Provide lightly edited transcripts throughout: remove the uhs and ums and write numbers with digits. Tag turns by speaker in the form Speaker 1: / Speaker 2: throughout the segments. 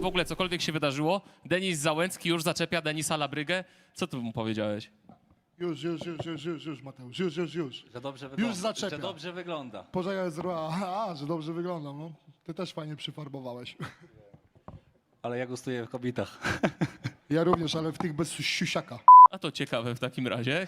Speaker 1: ogóle cokolwiek się wydarzyło, Denis Załęcki już zaczepia Denisa Labrygę. Co ty mu powiedziałeś?
Speaker 2: Już, Mateusz, już.
Speaker 3: Że dobrze wygląda.
Speaker 2: zaczepia.
Speaker 3: Że dobrze wygląda.
Speaker 2: Poczekaj, że dobrze wyglądam, no. Ty też fajnie przyfarbowałeś.
Speaker 3: Ale ja gustuję w kobietach.
Speaker 2: Ja również, ale w tych bez siusiaka.
Speaker 1: A to ciekawe w takim razie.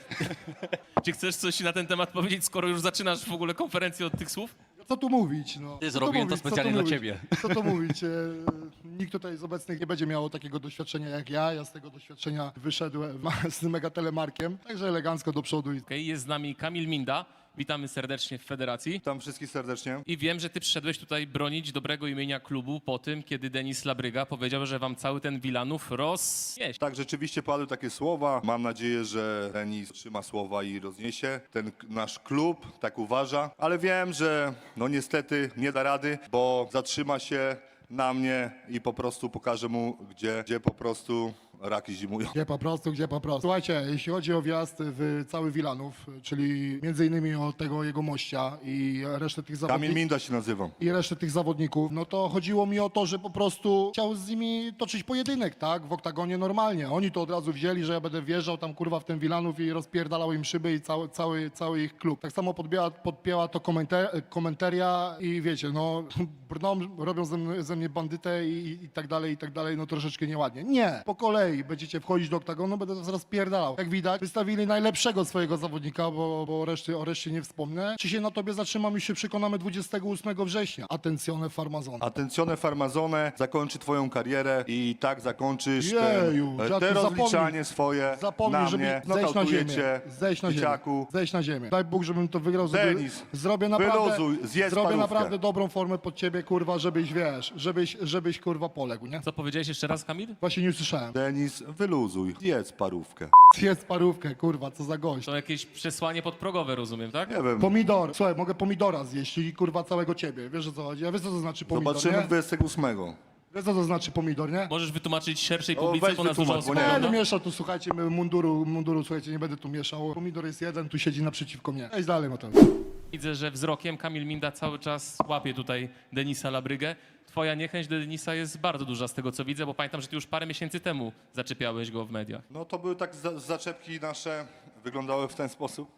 Speaker 1: Czy chcesz coś na ten temat powiedzieć, skoro już zaczynasz w ogóle konferencję od tych słów?
Speaker 2: Co tu mówić, no?
Speaker 3: Ty
Speaker 2: Co
Speaker 3: zrobiłem to
Speaker 2: mówić, co
Speaker 3: specjalnie dla
Speaker 2: mówić?
Speaker 3: ciebie.
Speaker 2: Co tu mówić? Nikt tutaj z obecnych nie będzie miał takiego doświadczenia jak ja. Ja z tego doświadczenia wyszedłem z mega telemarkiem, także elegancko do przodu.
Speaker 1: Okej, jest z nami Kamil Minda. Witamy serdecznie w federacji.
Speaker 4: Witam wszystkich serdecznie.
Speaker 1: I wiem, że ty przyszedłeś tutaj bronić dobrego imienia klubu po tym, kiedy Denis Labryga powiedział, że wam cały ten Wilanów rozniesie.
Speaker 4: Tak, rzeczywiście padły takie słowa. Mam nadzieję, że Denis trzyma słowa i rozniesie. Ten nasz klub tak uważa, ale wiem, że no niestety nie da rady, bo zatrzyma się na mnie i po prostu pokażę mu, gdzie po prostu raki zimują.
Speaker 2: Gdzie po prostu. Słuchajcie, jeśli chodzi o wjazd w cały Wilanów, czyli między innymi o tego jego mościa i resztę tych
Speaker 4: Kamil
Speaker 2: zawodników.
Speaker 4: Minda się nazywam.
Speaker 2: I resztę tych zawodników, no to chodziło mi o to, że po prostu chciał z nimi toczyć pojedynek, tak? W oktagonie normalnie. Oni to od razu wzięli, że ja będę wjeżdżał tam kurwa w ten Wilanów i rozpierdalał im szyby i cały ich klub. Tak samo podpięła to komentaria i wiecie, no brną, robią ze mnie bandytę i tak dalej, no troszeczkę nieładnie. Nie, po kolei będziecie wchodzić do oktagonu, będę was rozpierdalał. Jak widać, wystawili najlepszego swojego zawodnika, bo o reszcie nie wspomnę. Czy się na tobie zatrzymam i się przekonamy 28 września. Attenzione Farmazone.
Speaker 4: Attenzione Farmazone zakończy twoją karierę i tak zakończysz
Speaker 2: Jeju,
Speaker 4: te
Speaker 2: dziadku,
Speaker 4: rozliczanie swoje
Speaker 2: Zapomnij,
Speaker 4: na
Speaker 2: żeby
Speaker 4: mnie.
Speaker 2: zejść na ziemię.
Speaker 4: Nokautujecie,
Speaker 2: Zejść na ziemię.
Speaker 4: dzieciaku.
Speaker 2: Zejść na ziemię. Daj Bóg, żebym to wygrał.
Speaker 4: Denis,
Speaker 2: Zrobię naprawdę,
Speaker 4: wyluzuj, zjedz
Speaker 2: zrobię
Speaker 4: parówkę.
Speaker 2: naprawdę dobrą formę pod ciebie, kurwa, żebyś, wiesz, żebyś kurwa poległ, nie?
Speaker 1: Co powiedziałeś jeszcze raz, Kamil?
Speaker 2: Właśnie nie usłyszałem.
Speaker 4: Denis, wyluzuj, jedz parówkę.
Speaker 2: Jest parówkę, kurwa, co za gość.
Speaker 1: To jakieś przesłanie podprogowe, rozumiem, tak?
Speaker 4: Nie wiem,
Speaker 2: Pomidor. Słuchaj, mogę pomidora zjeść i kurwa całego ciebie. Wiesz o co chodzi? Ja wiesz co to znaczy pomidor,
Speaker 4: zobaczymy
Speaker 2: nie?
Speaker 4: 28.
Speaker 2: Wiesz co to znaczy pomidor, nie?
Speaker 1: Możesz wytłumaczyć szerszej
Speaker 4: O,
Speaker 1: publice,
Speaker 4: weź
Speaker 1: bo nas dużo
Speaker 4: wytłumacz, bo
Speaker 1: osób
Speaker 4: nie
Speaker 2: Nie
Speaker 1: ogląda.
Speaker 2: będę mieszał tu, słuchajcie, munduru, słuchajcie, nie będę tu mieszał. Pomidor jest jeden, tu siedzi naprzeciwko mnie. Idź dalej, Mateusz.
Speaker 1: Widzę, że wzrokiem Kamil Minda cały czas łapie tutaj Denisa Labrygę. Twoja niechęć do Denisa jest bardzo duża z tego, co widzę, bo pamiętam, że ty już parę miesięcy temu zaczepiałeś go w mediach.
Speaker 4: No to były tak zaczepki nasze, wyglądały w ten sposób,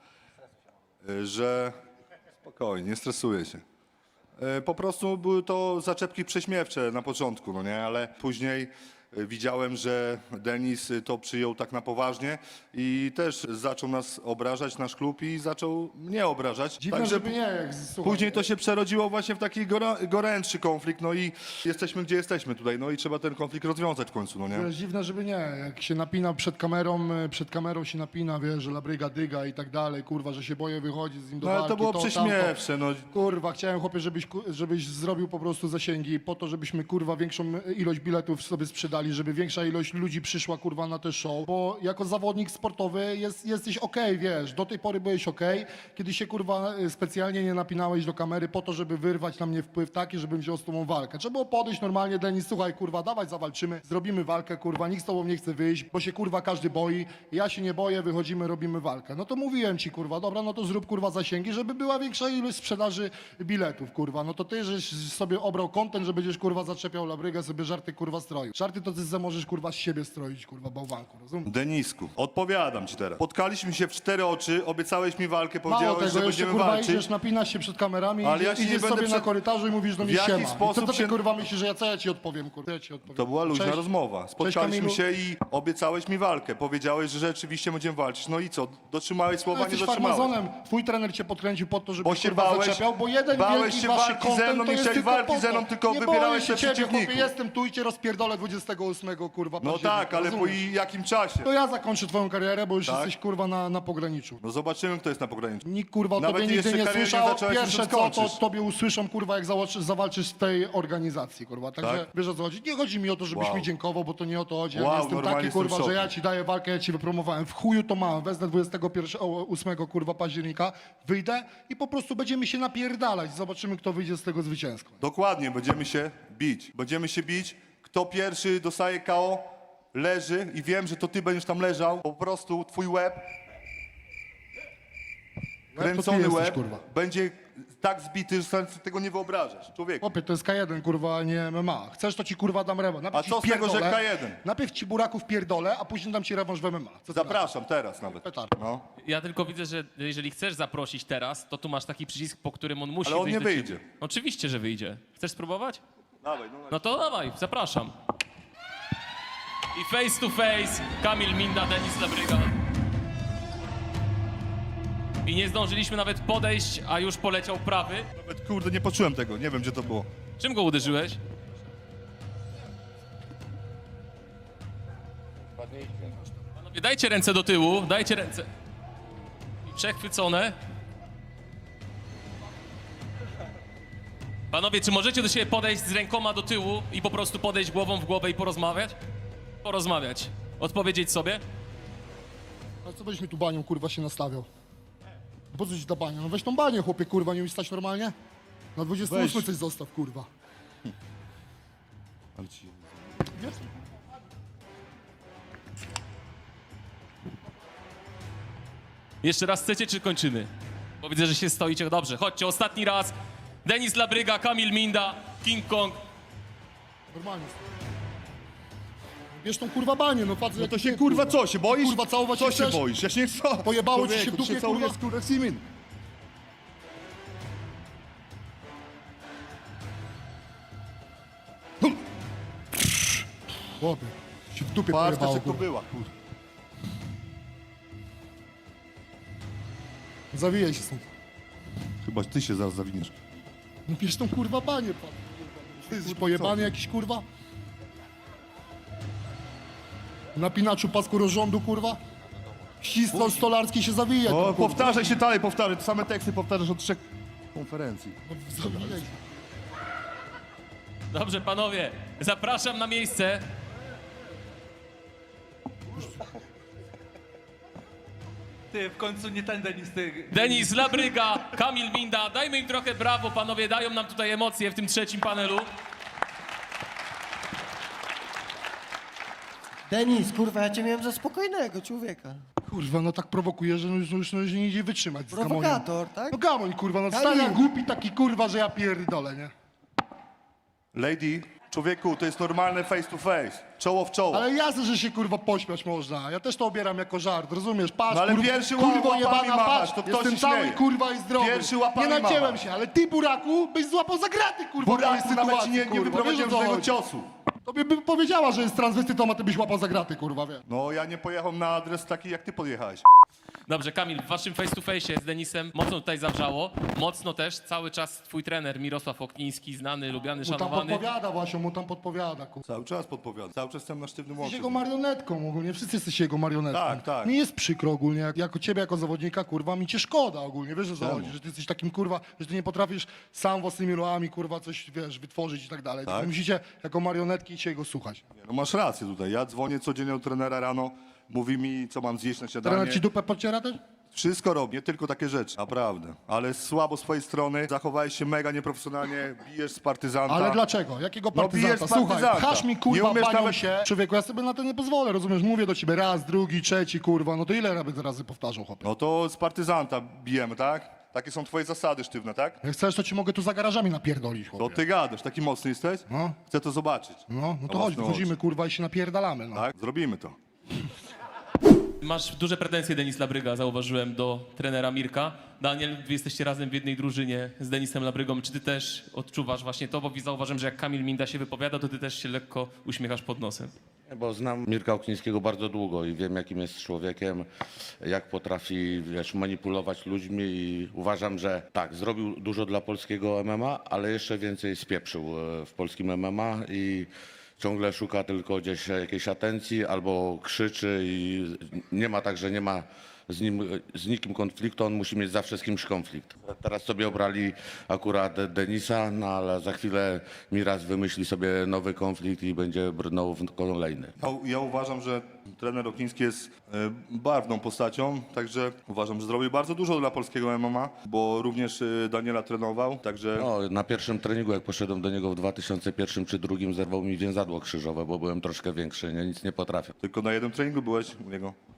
Speaker 4: że spokojnie, nie stresuję się. Po prostu były to zaczepki prześmiewcze na początku, no nie, ale później widziałem, że Denis to przyjął tak na poważnie i też zaczął nas obrażać, nasz klub i zaczął mnie obrażać.
Speaker 2: Dziwne, żeby nie, jak słuchaj.
Speaker 4: Później to się przerodziło właśnie w taki gorętszy konflikt, no i jesteśmy gdzie jesteśmy tutaj, no i trzeba ten konflikt rozwiązać w końcu, no nie?
Speaker 2: Wiesz, dziwne, żeby nie. Jak się napina przed kamerą się napina, wiesz, że labryga dyga i tak dalej, kurwa, że się boję wychodzić z nim do
Speaker 4: No ale
Speaker 2: walki,
Speaker 4: to było
Speaker 2: tamto.
Speaker 4: prześmiewcze, no.
Speaker 2: Kurwa, chciałem, chłopie, żebyś zrobił po prostu zasięgi po to, żebyśmy, kurwa, większą ilość biletów sobie sprzedali, żeby większa ilość ludzi przyszła, kurwa, na te show, bo jako zawodnik sportowy jesteś okej, wiesz, do tej pory byłeś okej, kiedy się, kurwa, specjalnie nie napinałeś do kamery po to, żeby wyrwać na mnie wpływ taki, żebym wziął z tobą walkę. Trzeba było podejść normalnie, Denis, słuchaj, kurwa, dawaj, zawalczymy, zrobimy walkę, kurwa, nikt z tobą nie chce wyjść, bo się, kurwa, każdy boi, ja się nie boję, wychodzimy, robimy walkę. No to mówiłem ci, kurwa, dobra, no to zrób, kurwa, zasięgi, żeby była większa ilość sprzedaży biletów, kurwa. No to ty, żeś sobie obrał content, że będziesz, kurwa, zaczepiał labrygę, sobie żarty, kurwa, stroił. Żarty to ty możesz, kurwa, z siebie stroić, kurwa, bałwanku, rozumiesz?
Speaker 4: Denisku, odpowiadam ci teraz. Spotkaliśmy się w 4 oczy, obiecałeś mi walkę,
Speaker 2: Mało
Speaker 4: powiedziałeś,
Speaker 2: tego,
Speaker 4: że
Speaker 2: jeszcze,
Speaker 4: będziemy
Speaker 2: kurwa,
Speaker 4: walczyć.
Speaker 2: idziesz, napinasz się przed kamerami,
Speaker 4: Ale ja się nie
Speaker 2: idziesz
Speaker 4: będę
Speaker 2: sobie na
Speaker 4: przed-
Speaker 2: korytarzu i mówisz do mnie
Speaker 4: W jaki
Speaker 2: siema.
Speaker 4: sposób
Speaker 2: I co ty,
Speaker 4: się-
Speaker 2: kurwa, myślisz, że co ja ci odpowiem, kurwa? Ja ci odpowiem.
Speaker 4: To była luźna
Speaker 2: Cześć.
Speaker 4: rozmowa. Spotkaliśmy
Speaker 2: Kamilu.
Speaker 4: się i obiecałeś mi walkę. Powiedziałeś, że rzeczywiście będziemy walczyć. No i co? Dotrzymałeś
Speaker 2: No,
Speaker 4: słowa, nie
Speaker 2: jesteś
Speaker 4: dotrzymałeś.
Speaker 2: farmazonem. Twój trener cię podkręcił po to, żeby
Speaker 4: Bo się
Speaker 2: kurwa
Speaker 4: bałeś,
Speaker 2: zaczepiał, bo jeden
Speaker 4: bałeś
Speaker 2: wielki
Speaker 4: się
Speaker 2: wasz
Speaker 4: walki ze
Speaker 2: content
Speaker 4: mną,
Speaker 2: to
Speaker 4: nie
Speaker 2: jest
Speaker 4: chciałeś
Speaker 2: tylko
Speaker 4: walki
Speaker 2: po to.
Speaker 4: ze mną, tylko
Speaker 2: nie
Speaker 4: wybierałeś
Speaker 2: boję
Speaker 4: się
Speaker 2: się ciebie,
Speaker 4: przeciwników.
Speaker 2: chłopie, jestem tu i cię rozpierdolę 28, kurwa,
Speaker 4: No
Speaker 2: października,
Speaker 4: tak, ale po
Speaker 2: rozumiesz?
Speaker 4: jakim czasie?
Speaker 2: To ja zakończę twoją karierę, bo już
Speaker 4: Tak?
Speaker 2: jesteś, kurwa, na pograniczu.
Speaker 4: No zobaczymy, kto jest na pograniczu.
Speaker 2: Nikt, kurwa, o
Speaker 4: Nawet
Speaker 2: tobie nigdy
Speaker 4: jeszcze
Speaker 2: nie
Speaker 4: kariery nie
Speaker 2: słyszał.
Speaker 4: zacząłeś,
Speaker 2: Pierwsze
Speaker 4: już
Speaker 2: co, to
Speaker 4: skończysz.
Speaker 2: tobie usłyszą, kurwa, jak zawalczysz w tej organizacji, kurwa. Także
Speaker 4: Tak?
Speaker 2: wiesz o co chodzi. Nie chodzi mi o to, żebyś
Speaker 4: Wow.
Speaker 2: mi dziękował, bo to nie o to chodzi. Ja
Speaker 4: Wow,
Speaker 2: nie jestem
Speaker 4: normalnie
Speaker 2: taki,
Speaker 4: jestem w
Speaker 2: kurwa, że
Speaker 4: szoku.
Speaker 2: ja ci daję walkę, ja ci wypromowałem. W chuju to mam. Wezmę 28, kurwa, października, wyjdę i po prostu będziemy się napierdalać. Zobaczymy, kto wyjdzie z tego zwycięsko.
Speaker 4: Dokładnie, będziemy się bić. Będziemy się bić. Kto pierwszy dostaje KO, leży i wiem, że to ty będziesz tam leżał. Po prostu twój łeb,
Speaker 2: to ty
Speaker 4: kręcony
Speaker 2: jesteś,
Speaker 4: łeb,
Speaker 2: kurwa.
Speaker 4: będzie tak zbity, że sobie tego nie wyobrażasz. Człowieku.
Speaker 2: Chłopie, to jest K1, kurwa, a nie MMA. Chcesz, to ci kurwa dam rewanż. Najpierw
Speaker 4: A co
Speaker 2: ci
Speaker 4: z tego, że
Speaker 2: pierdolę,
Speaker 4: K1?
Speaker 2: Najpierw ci buraków pierdolę, a później dam ci rewanż w MMA. Co ty
Speaker 4: Zapraszam teraz nawet.
Speaker 2: Petard.
Speaker 4: No.
Speaker 1: Ja tylko widzę, że jeżeli chcesz zaprosić teraz, to tu masz taki przycisk, po którym on musi
Speaker 4: Ale on
Speaker 1: wyjść
Speaker 4: nie
Speaker 1: do ciebie.
Speaker 4: wyjdzie.
Speaker 1: Oczywiście, że wyjdzie. Chcesz spróbować?
Speaker 4: Dawaj, no.
Speaker 1: No to dawaj, zapraszam. I face to face Kamil Minda, Denis Labryga. I nie zdążyliśmy nawet podejść, a już poleciał prawy.
Speaker 4: Nawet, kurde, nie poczułem tego, nie wiem gdzie to było.
Speaker 1: Czym go uderzyłeś? Panowie, dajcie ręce do tyłu, dajcie ręce. I przechwycone. Panowie, czy możecie do siebie podejść z rękoma do tyłu i po prostu podejść głową w głowę i porozmawiać? Porozmawiać. Odpowiedzieć sobie?
Speaker 2: A co byś mi tu banią, kurwa, się nastawiał? Po co ci ta bania? No weź tą banię, chłopie, kurwa, nie umiesz stać normalnie? Na 28
Speaker 4: Weź.
Speaker 2: coś zostaw, kurwa.
Speaker 4: Ale ci...
Speaker 2: Wiesz?
Speaker 1: Jeszcze raz chcecie, czy kończymy? Bo widzę, że się stoicie. Dobrze, chodźcie, ostatni raz. Denis Labryga, Kamil Minda, King Kong.
Speaker 2: Normalnie. Bierz tą kurwa banię, no patrz.
Speaker 4: No to się kurwa co, się boisz?
Speaker 2: Kurwa, całować
Speaker 4: Co
Speaker 2: się
Speaker 4: się
Speaker 2: chcesz?
Speaker 4: boisz? Ja się nie co?
Speaker 2: Pojebało ci się w dupie,
Speaker 4: całujesz,
Speaker 2: kurwa?
Speaker 4: kurwa, Simin.
Speaker 2: Chłopie, się w dupie
Speaker 4: Patrz,
Speaker 2: pojebało,
Speaker 4: jak to
Speaker 2: kurwa.
Speaker 4: była, kurwa.
Speaker 2: Zawijaj się stąd.
Speaker 4: Chyba ty się zaraz zawiniesz.
Speaker 2: No bierz tą kurwa banię, pan. Ty jesteś pojebany jakiś, kurwa? Napinaczu pasku rozrządu, kurwa? Ścistol stolarski się zawija.
Speaker 4: O,
Speaker 2: tam, kurwa.
Speaker 4: powtarzaj się dalej, powtarzaj. Te same teksty powtarzasz od 3 konferencji.
Speaker 2: No, zawijaj się.
Speaker 1: Dobrze, panowie, zapraszam na miejsce.
Speaker 3: Ty, w końcu nie ten Denis, ty.
Speaker 1: Denis Labryga, Kamil Minda. Dajmy im trochę brawo, panowie, dają nam tutaj emocje w tym trzecim panelu.
Speaker 5: Denis, kurwa, ja cię miałem za spokojnego człowieka.
Speaker 2: Kurwa, no tak prowokuje, że już nie idzie wytrzymać z Gamoniem.
Speaker 5: Prowokator, tak?
Speaker 2: No gamoń, kurwa, no
Speaker 5: Kamil.
Speaker 2: stary jak głupi taki, kurwa, że ja pierdolę, nie?
Speaker 4: Lady, człowieku, to jest normalne face to face. Czoło w czoło.
Speaker 2: Ale jasne, że się, kurwa, pośmiać można. Ja też to obieram jako żart, rozumiesz? Patrz,
Speaker 4: No ale
Speaker 2: kurwa,
Speaker 4: pierwszy
Speaker 2: kurwo
Speaker 4: łapami
Speaker 2: jebana,
Speaker 4: machasz,
Speaker 2: patrz,
Speaker 4: to kto
Speaker 2: jestem
Speaker 4: się
Speaker 2: cały,
Speaker 4: śmieje?
Speaker 2: kurwa, i zdrowy.
Speaker 4: Pierwszy łapami
Speaker 2: Nie nacięłem
Speaker 4: machasz.
Speaker 2: się, ale ty, buraku, byś złapał za graty, kurwa, w mojej
Speaker 4: Buraku, nawet ci
Speaker 2: sytuacji,
Speaker 4: nie
Speaker 2: kurwa.
Speaker 4: wyprowadziłem
Speaker 2: Wiesz, o co
Speaker 4: żadnego
Speaker 2: chodzi?
Speaker 4: ciosu.
Speaker 2: Tobie by powiedziała, że jest transwestytą, a ty byś łapał za graty, kurwa, wiesz.
Speaker 4: No, ja nie pojechałem na adres taki, jak ty podjechałeś.
Speaker 1: Dobrze, Kamil, w waszym face to face z Denisem mocno tutaj zawrzało. Mocno też cały czas twój trener Mirosław Okniński, znany, lubiany,
Speaker 2: Mu tam
Speaker 1: szanowany.
Speaker 2: podpowiada, Właśnie, mu tam podpowiada, kurwa.
Speaker 4: Cały czas podpowiadam. Cały czas jestem na sztywnym
Speaker 2: Jesteś
Speaker 4: łączu.
Speaker 2: jego marionetką ogólnie, wszyscy jesteście jego marionetką.
Speaker 4: Tak, tak.
Speaker 2: Mi jest przykro ogólnie, jako ciebie, jako zawodnika, kurwa, mi cię szkoda ogólnie, wiesz o co
Speaker 4: Czemu?
Speaker 2: chodzi, że ty jesteś takim, kurwa, że ty nie potrafisz sam własnymi ruchami, kurwa, coś, wiesz, wytworzyć i tak dalej.
Speaker 4: Tak?
Speaker 2: Wy musicie jako marionetki się jego słuchać.
Speaker 4: Nie, no masz rację tutaj. Ja dzwonię codziennie do trenera rano, mówi mi, co mam zjeść na śniadanie.
Speaker 2: Trener ci dupę podciera też?
Speaker 4: Wszystko robię, nie tylko takie rzeczy, naprawdę. Ale słabo z twojej strony, zachowałeś się mega nieprofesjonalnie, bijesz z partyzanta.
Speaker 2: Ale dlaczego? Jakiego
Speaker 4: No,
Speaker 2: partyzanta?
Speaker 4: bijesz
Speaker 2: Słuchaj,
Speaker 4: partyzanta.
Speaker 2: pchasz mi,
Speaker 4: Nie
Speaker 2: kurwa,
Speaker 4: umiesz
Speaker 2: banią
Speaker 4: nawet-
Speaker 2: się. Człowieku, ja sobie na to nie pozwolę, rozumiesz? Mówię do ciebie raz, drugi, trzeci, kurwa, no to ile razy powtarzał, chłopie?
Speaker 4: No to z partyzanta bijemy, tak? Takie są twoje zasady sztywne, tak?
Speaker 2: Jak chcesz, to ci mogę tu za garażami napierdolić,
Speaker 4: To
Speaker 2: chłopie.
Speaker 4: ty gadasz, taki mocny jesteś?
Speaker 2: No.
Speaker 4: Chcę to zobaczyć.
Speaker 2: No to
Speaker 4: Na
Speaker 2: chodź,
Speaker 4: własne
Speaker 2: wychodzimy, kurwa, i się napierdalamy, no.
Speaker 4: Tak? Zrobimy to.
Speaker 1: Masz duże pretensje, Denis Labryga, zauważyłem, do trenera Mirka. Daniel, wy jesteście razem w jednej drużynie z Denisem Labrygą. Czy ty też odczuwasz właśnie to? Bo zauważyłem, że jak Kamil Minda się wypowiada, to ty też się lekko uśmiechasz pod nosem.
Speaker 6: Bo znam Mirka Oknińskiego bardzo długo i wiem, jakim jest człowiekiem, jak potrafi, wiesz, manipulować ludźmi i uważam, że tak, zrobił dużo dla polskiego MMA, ale jeszcze więcej spieprzył w polskim MMA i ciągle szuka tylko gdzieś jakiejś atencji albo krzyczy i nie ma tak, że nie ma z nikim konfliktu, on musi mieć zawsze z kimś konflikt. Teraz sobie obrali akurat Denisa, no ale za chwilę Miraz wymyśli sobie nowy konflikt i będzie brnął w kolejny.
Speaker 4: Ja uważam, że trener Okniński jest barwną postacią, także uważam, że zrobił bardzo dużo dla polskiego MMA, bo również Daniela trenował, także
Speaker 6: No, na pierwszym treningu, jak poszedłem do niego w 2001 czy 2002, zerwał mi więzadło krzyżowe, bo byłem troszkę większy, nie, nic nie potrafię.
Speaker 4: tylko na jednym treningu byłeś u niego.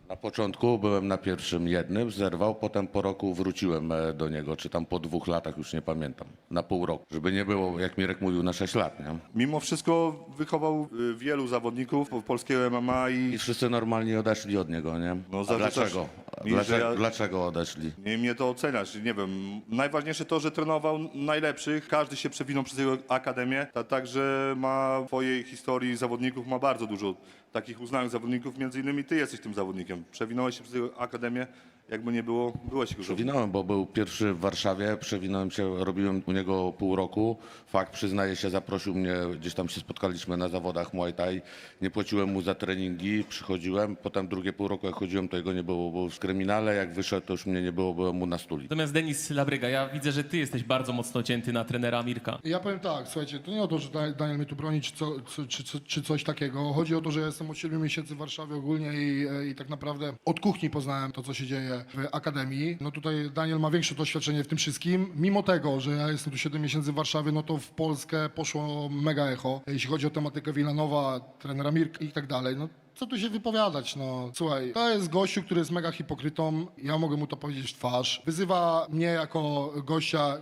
Speaker 6: Na początku byłem na pierwszym jednym, zerwał, potem po roku wróciłem do niego, czy tam po 2 latach, już nie pamiętam, na pół roku. Żeby nie było, jak Mirek mówił, na 6 lat, nie?
Speaker 4: Mimo wszystko wychował wielu zawodników polskiego MMA
Speaker 6: I
Speaker 4: i
Speaker 6: wszyscy normalnie odeszli od niego, nie?
Speaker 4: No,
Speaker 6: A
Speaker 4: zarzucasz
Speaker 6: dlaczego?
Speaker 4: mi, że ja-
Speaker 6: Dlaczego odeszli?
Speaker 4: nie mnie to oceniać, nie wiem. Najważniejsze to, że trenował najlepszych, każdy się przewinął przez jego akademię, także ma w swojej historii zawodników, ma bardzo dużo takich uznanych zawodników, między innymi ty jesteś tym zawodnikiem. Przewinąłeś się przez jego akademię, jakby nie było, byłeś jego zawodnikiem.
Speaker 6: Przewinąłem, bo był pierwszy w Warszawie, przewinąłem się, robiłem u niego pół roku. Fakt, przyznaję się, zaprosił mnie, gdzieś tam się spotkaliśmy na zawodach Muay Thai. Nie płaciłem mu za treningi, przychodziłem. Potem drugie pół roku, jak chodziłem, to jego nie było, był w kryminale. Jak wyszedł, to już mnie nie było, byłem mu na stuli.
Speaker 1: Natomiast Denis Labryga, ja widzę, że ty jesteś bardzo mocno cięty na trenera Mirka.
Speaker 2: Ja powiem tak, słuchajcie, to nie o to, że Daniel mnie tu broni, czy coś takiego. Chodzi o to, że ja jestem od 7 miesięcy w Warszawie ogólnie i tak naprawdę od kuchni poznałem to, co się dzieje w Akademii. No tutaj Daniel ma większe doświadczenie w tym wszystkim. Mimo tego, że ja jestem tu 7 miesięcy w Warszawie, no to w Polskę poszło mega echo, jeśli chodzi o tematykę Wilanowa, trenera Mirka i tak dalej. No, co tu się wypowiadać, no. Słuchaj, to jest gościu, który jest mega hipokrytą, ja mogę mu to powiedzieć w twarz. Wyzywa mnie jako gościa,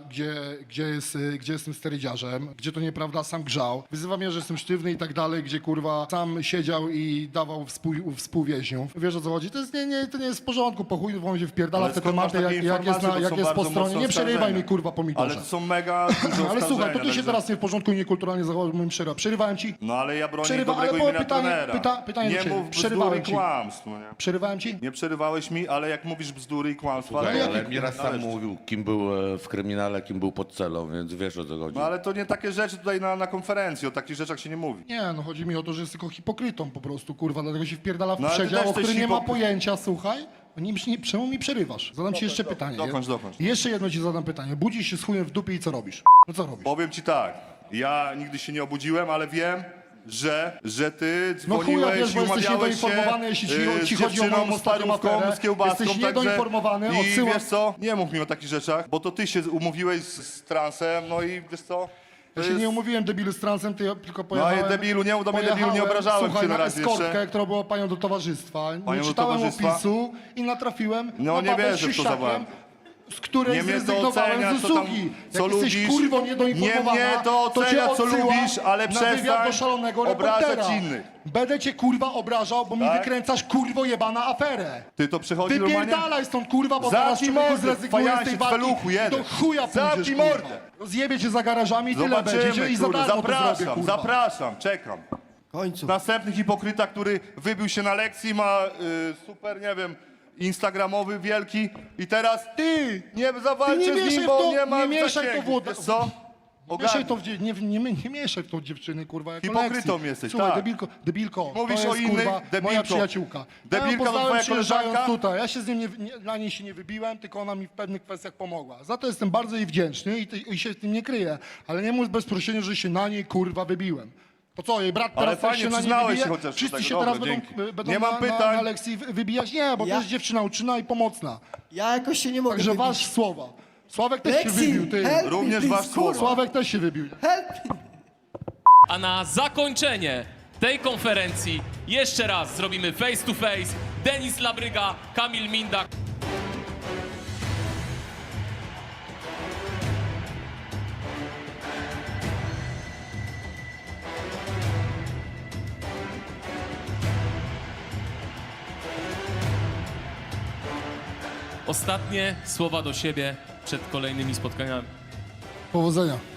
Speaker 2: gdzie jestem sterydziarzem, gdzie to nieprawda, sam grzał. Wyzywa mnie, że jestem sztywny i tak dalej, gdzie kurwa sam siedział i dawał współwięźniów. Wiesz o co chodzi? To nie jest w porządku, po chuj wam się wpierdala
Speaker 4: Ale
Speaker 2: w te
Speaker 4: skąd masz
Speaker 2: tematy,
Speaker 4: takie
Speaker 2: jak jest,
Speaker 4: informacje? To
Speaker 2: jak
Speaker 4: są
Speaker 2: jest po
Speaker 4: bardzo
Speaker 2: stronie.
Speaker 4: mocne
Speaker 2: Nie przerywaj
Speaker 4: oskarżenia.
Speaker 2: mi kurwa pomidorze.
Speaker 4: Ale to są mega duże
Speaker 2: Ale słuchaj, to
Speaker 4: oskarżenia,
Speaker 2: ty się
Speaker 4: także-
Speaker 2: teraz nie w porządku i niekulturalnie zachował, moim przerywa. Przerywałem ci?
Speaker 4: No ale ja bronię
Speaker 2: Przerywa,
Speaker 4: dobrego
Speaker 2: ale było
Speaker 4: imienia
Speaker 2: pytanie-
Speaker 4: trenera.
Speaker 2: pytanie do
Speaker 4: nie
Speaker 2: ciebie.
Speaker 4: mów bzdur
Speaker 2: Przerywałem
Speaker 4: i
Speaker 2: ci.
Speaker 4: kłamstw. No nie?
Speaker 2: Przerywałem ci?
Speaker 4: Nie przerywałeś mi, ale jak mówisz bzdury i kłamstwa...
Speaker 6: Słuchaj,
Speaker 4: to-
Speaker 6: ale Miras sam
Speaker 4: należy.
Speaker 6: mówił, kim był w kryminale, kim był pod celą, więc wiesz o co chodzi.
Speaker 4: No ale to nie takie rzeczy tutaj na konferencji, o takich rzeczach się nie mówi.
Speaker 2: Nie, no chodzi mi o to, że jest tylko hipokrytą po prostu, kurwa, dlatego się wpierdala w
Speaker 4: No, ale ty
Speaker 2: przedział,
Speaker 4: też
Speaker 2: o który
Speaker 4: jesteś
Speaker 2: nie ma
Speaker 4: hipokry-
Speaker 2: pojęcia, słuchaj. Czemu mi przerywasz? Zadam ci jeszcze pytanie.
Speaker 4: dokończ.
Speaker 2: I jeszcze jedno ci zadam pytanie. Budzisz się z chujem w dupie i co robisz? No co robisz?
Speaker 4: Powiem ci tak, ja nigdy się nie obudziłem, ale wiem, że ty
Speaker 2: No chuja
Speaker 4: dzwoniłeś
Speaker 2: wiesz, bo
Speaker 4: i
Speaker 2: jesteś
Speaker 4: umawiałeś się
Speaker 2: niedoinformowany, jeśli ci
Speaker 4: z
Speaker 2: chodzi o moją
Speaker 4: dziewczyną,
Speaker 2: ostatnią
Speaker 4: starówką,
Speaker 2: aferę.
Speaker 4: z kiełbaską,
Speaker 2: Jesteś
Speaker 4: także...
Speaker 2: niedoinformowany,
Speaker 4: I
Speaker 2: odsyłam-
Speaker 4: wiesz co, nie mów mi o takich rzeczach, bo to ty się umówiłeś z transem, no i wiesz co... to
Speaker 2: Ja się
Speaker 4: jest-
Speaker 2: nie umówiłem debilu z transem, tylko
Speaker 4: No
Speaker 2: pojechałem...
Speaker 4: i debilu, nie mów do mnie debilu, nie obrażałem
Speaker 2: słuchaj,
Speaker 4: cię na
Speaker 2: na
Speaker 4: razie
Speaker 2: eskortkę,
Speaker 4: jeszcze.
Speaker 2: która była panią do towarzystwa.
Speaker 4: Panią
Speaker 2: Nie
Speaker 4: do
Speaker 2: czytałem
Speaker 4: towarzystwa?
Speaker 2: opisu i natrafiłem
Speaker 4: No
Speaker 2: na
Speaker 4: nie
Speaker 2: babę z
Speaker 4: wierzę w to za
Speaker 2: siusiakiem,
Speaker 4: bardzo.
Speaker 2: z której
Speaker 4: Nie mnie to
Speaker 2: zrezygnowałem
Speaker 4: ocenia,
Speaker 2: z
Speaker 4: co tam,
Speaker 2: usługi.
Speaker 4: co
Speaker 2: Jak jesteś
Speaker 4: lubisz.
Speaker 2: kurwo
Speaker 4: Nie
Speaker 2: niedoinformowana,
Speaker 4: mnie to
Speaker 2: cię
Speaker 4: ocenia, co
Speaker 2: odsyłam
Speaker 4: lubisz, ale
Speaker 2: na wywiad
Speaker 4: przestań
Speaker 2: do szalonego
Speaker 4: obrażać
Speaker 2: reportera.
Speaker 4: innych.
Speaker 2: Będę cię kurwa obrażał, bo mi
Speaker 4: Tak?
Speaker 2: wykręcasz kurwo jebana aferę.
Speaker 4: Ty to przychodzi normalnie?
Speaker 2: Wypierdalaj stąd kurwa, bo zaraz
Speaker 4: Zamknij
Speaker 2: człowieku
Speaker 4: mordę,
Speaker 2: zrezygnujesz z tej
Speaker 4: fajansie,
Speaker 2: walki
Speaker 4: feluchu
Speaker 2: i
Speaker 4: jeden.
Speaker 2: do chuja pójdziesz
Speaker 4: Zamknij
Speaker 2: kurwa.
Speaker 4: mordę.
Speaker 2: Rozjebie cię za garażami i tyle będzie
Speaker 4: Zobaczymy,
Speaker 2: i za
Speaker 4: kurde,
Speaker 2: darmo to zrobię,
Speaker 4: zapraszam,
Speaker 2: kurwa.
Speaker 4: zapraszam, czekam.
Speaker 5: W końcu.
Speaker 4: Następny hipokryta, który wybił się na lekcji, ma super, nie wiem, instagramowy wielki i teraz
Speaker 2: Ty!
Speaker 4: nie
Speaker 2: Ty
Speaker 4: zawalczę
Speaker 2: nie
Speaker 4: z
Speaker 2: mieszaj
Speaker 4: nim,
Speaker 2: w
Speaker 4: bo
Speaker 2: to,
Speaker 4: nie ma
Speaker 2: nie mieszaj w to
Speaker 4: zasięgu.
Speaker 2: wódę.
Speaker 4: Wiesz co?
Speaker 2: Mieszaj to nie mieszaj w tą dziewczyny, kurwa, jako
Speaker 4: Hipokrytą
Speaker 2: lekcji.
Speaker 4: jesteś,
Speaker 2: Słuchaj,
Speaker 4: tak.
Speaker 2: debilko,
Speaker 4: Mówisz
Speaker 2: to
Speaker 4: o
Speaker 2: jest,
Speaker 4: innych,
Speaker 2: kurwa,
Speaker 4: debilko.
Speaker 2: moja przyjaciółka.
Speaker 4: Debilka
Speaker 2: ja ją
Speaker 4: to
Speaker 2: poznałem
Speaker 4: twoja
Speaker 2: przyjeżdżając
Speaker 4: koleżanka?
Speaker 2: tutaj. Ja się z nim na niej się nie wybiłem, tylko ona mi w pewnych kwestiach pomogła. Za to jestem bardzo jej wdzięczny i się z tym nie kryję. Ale nie mów bez prosienia, że się na niej, kurwa, wybiłem. To co, jej brat
Speaker 4: Ale
Speaker 2: teraz też
Speaker 4: fajnie,
Speaker 2: się na niej
Speaker 4: przyznałeś
Speaker 2: wybije?
Speaker 4: się chociaż do
Speaker 2: Wszyscy
Speaker 4: tego.
Speaker 2: się
Speaker 4: Dobra,
Speaker 2: teraz
Speaker 4: dzięki.
Speaker 2: będą
Speaker 4: Nie mam
Speaker 2: na
Speaker 4: pytań.
Speaker 2: lekcji wybijać? Nie, bo to
Speaker 5: Ja-
Speaker 2: jest dziewczyna uczynna i pomocna.
Speaker 5: Ja jakoś się nie mogę
Speaker 2: Także
Speaker 5: wybić.
Speaker 2: wasz słowa. Sławek też się
Speaker 5: Lexi,
Speaker 2: wybił, ty.
Speaker 5: help me,
Speaker 4: Również
Speaker 5: please,
Speaker 4: wasz słowa.
Speaker 2: Sławek też się wybił.
Speaker 5: Help me.
Speaker 1: A na zakończenie tej konferencji jeszcze raz zrobimy face to face. Denis Labryga, Kamil Minda. Ostatnie słowa do siebie przed kolejnymi spotkaniami.
Speaker 2: Powodzenia.